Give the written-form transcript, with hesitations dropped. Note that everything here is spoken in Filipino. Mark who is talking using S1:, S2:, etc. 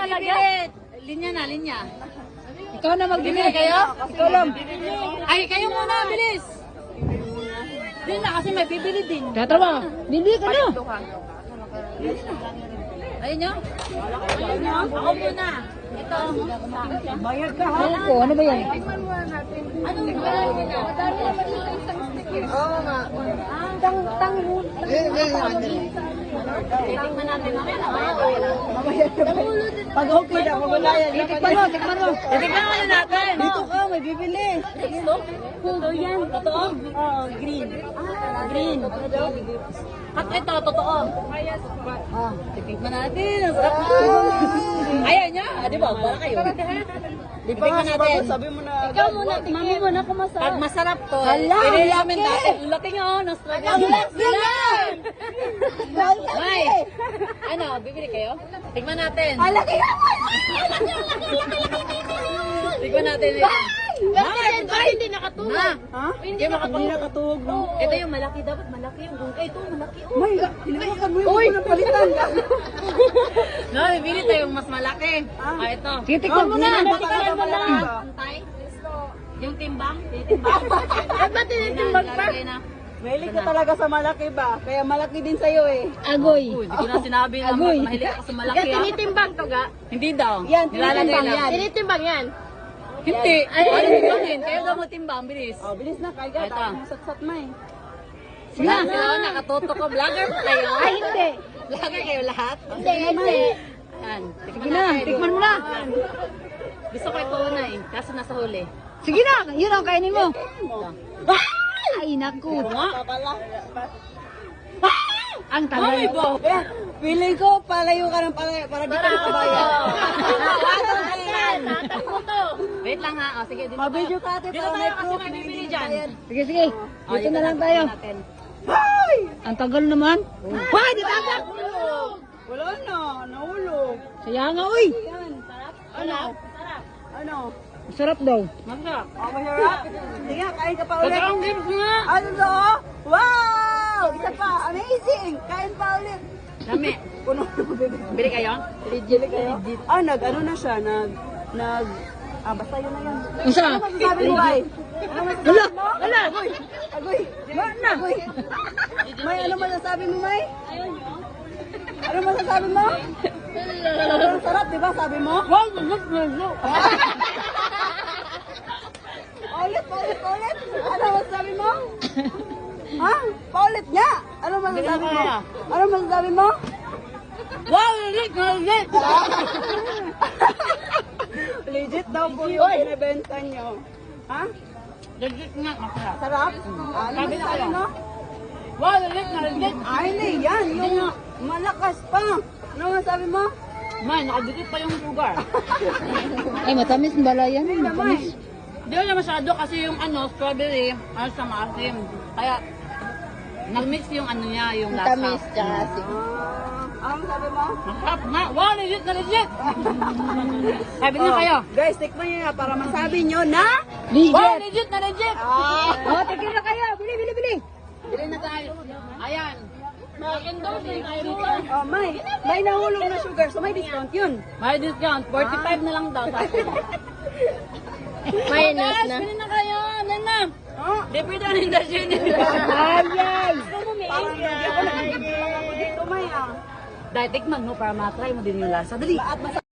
S1: bibili. Linya na, linya.
S2: Ikaw na magbili.
S1: Bibili kayo?
S2: Ikaw lang.
S1: Ay, kayo muna, bilis. Din na, kasi may bibili din.
S2: Tatawa. Bili ka na.
S1: Ayun nyo? Ayun nyo? Ako muna. Ito.
S2: Bayad ka ha? Ano ba yan?
S1: Anong bayad nyo? Madami naman yung isang stick eh. Oo nga. Titikman natin namin.
S2: Pag okay na, magulayan. Tikman mo.
S1: Titikman muna natin.
S2: Dito ka, may bibili.
S1: Ito? Ito yan. Totoo?
S2: Oo, green.
S1: Green. At ito, totoo. Titikman natin. Ang sarap na. Ayaw niya. Di ba? Para kayo. Titikman natin.
S2: Sabi mo na.
S1: Ikaw muna, tikman mo na kung masarap. Pag masarap to,
S2: Hala,
S1: pinili namin
S2: laki.
S1: dati. Ang laki nga, na-struggle.
S2: Ang laki nga!
S1: May, ano, bibili kayo? Tikman natin.
S2: Malaki nga!
S1: Tikman natin. Ay, hindi nakatulog.
S2: Ha?
S1: Hindi
S2: nakatuhog, no?
S1: Ito yung malaki, dapat malaki yung gungkay. Ito, malaki. Oh.
S2: May, hinawakan mo yung ng palitan.
S1: No, bibili tayo yung mas malaki. Ah, ito.
S2: Titikman mo na.
S1: Titikman mo na. Antay. Yung timbang. Titimbang. At ba tinitimbang pa?
S2: Mahilig ka talaga sa malaki ba? Kaya malaki din sa'yo eh.
S1: Agoy. Hindi ko na sinabi na
S2: Agoy.
S1: mahilig ako sa malaki.
S3: Tinitimbang to ga?
S1: Hindi daw.
S2: Yan,
S1: Nilalagay
S2: tinitimbang
S1: lang.
S2: yan.
S3: Tinitimbang yan.
S1: Hindi. Ay, ano timbangin? Kayo daw mo timbang, bilis.
S2: Oh, bilis na, kaya
S1: Ito.
S2: tayo satsat mo eh.
S1: Sige na. Sila nakatoto ko. Vlogger pa kayo.
S2: Ay, hindi.
S1: Vlogger kayo lahat.
S3: Hindi.
S1: Yan.
S2: Sige na, tikman mo na.
S1: Gusto ko ito una eh. Kaso nasa huli.
S2: Sige na, yun ang kainin mo. Ay, naku. Ang tagal.
S1: Mami po.
S2: Feeling ko, palayo ka ng palayo para di ka makabayan.
S3: Tatang mo to.
S1: Wait lang ha. O, sige, dito
S2: Mabidyo
S1: tayo.
S2: ka ate,
S1: Dito
S2: para
S1: tayo
S2: may
S1: kasi
S2: proof
S1: may
S2: na
S1: bibili
S2: hindi
S1: dyan.
S2: bayad.
S3: Sige, sige.
S1: O,
S2: Dito
S1: yun
S2: na lang tayo.
S1: natin.
S2: Ang tagal naman. Why, di ba?
S4: Wala na, nahulog.
S2: Saya nga, uy.
S4: Ano? Ano?
S2: Masarap daw.
S1: Masarap.
S4: Oh, masarap? Sige nga, kain ka pa ulit.
S1: Masarap games nga.
S4: Ano to? Wow! Isa pa, amazing! Kain pa ulit.
S1: Dami.
S4: Puno na bibig.
S1: Bili kayo?
S4: Legit kayo? Ano na siya, basta yun na yun.
S2: Unsa?
S4: Ano masasabi mo, Bay? Ano masasabi mo?
S2: Wala.
S4: Agoy!
S2: Na.
S4: Agoy! May, ano masasabi mo, May? Ano masasabi mo? Ang sarap, di ba? Sabi mo?
S2: Wow, masarap.
S4: Paulit. Ano masasabi mo? Ha? Paulit nga! Ano masasabi mo? Ano masasabi mo?
S1: Wow, legit.
S4: Legit daw po yung binibenta nyo. Ha?
S1: Legit nga. Masarap.
S4: Sarap? Ano masasabi mo?
S1: Wow, legit.
S4: Ay, hindi. Yan. Yung malakas pa. Ano masabi mo?
S1: Man, nakadikit pa yung sugar.
S2: Ay, matamis ang bala yan.
S4: Matamis.
S1: Hindi ko na masyado kasi yung strawberry, sa maasim. Kaya, nag-mix yung niya, yung lasa.
S3: Tamis, tsaka asin.
S4: Ano sabi mo?
S1: Masarap nga. Wow, legit na legit. Sabi niyo kayo.
S4: Guys, tikman nyo na para masabi nyo na...
S1: Wow,
S2: Legit.
S1: legit na legit.
S2: Oh, tigil na kayo. Bili.
S1: Bili na tayo. Ayan. Mag-endorse din tayo dito.
S4: Oh, may nahulog na sugar, so may discount yun.
S1: May discount. 45 na lang daw.
S3: Minus na.
S1: Bili na kayo. Nana.
S4: Oh,
S1: Libre na rin daw siya.
S2: Ay.
S4: parang hindi ako nakikita ako dito, May.
S1: Dahil tikman mo para matry mo din yung lasa. Dali.
S4: At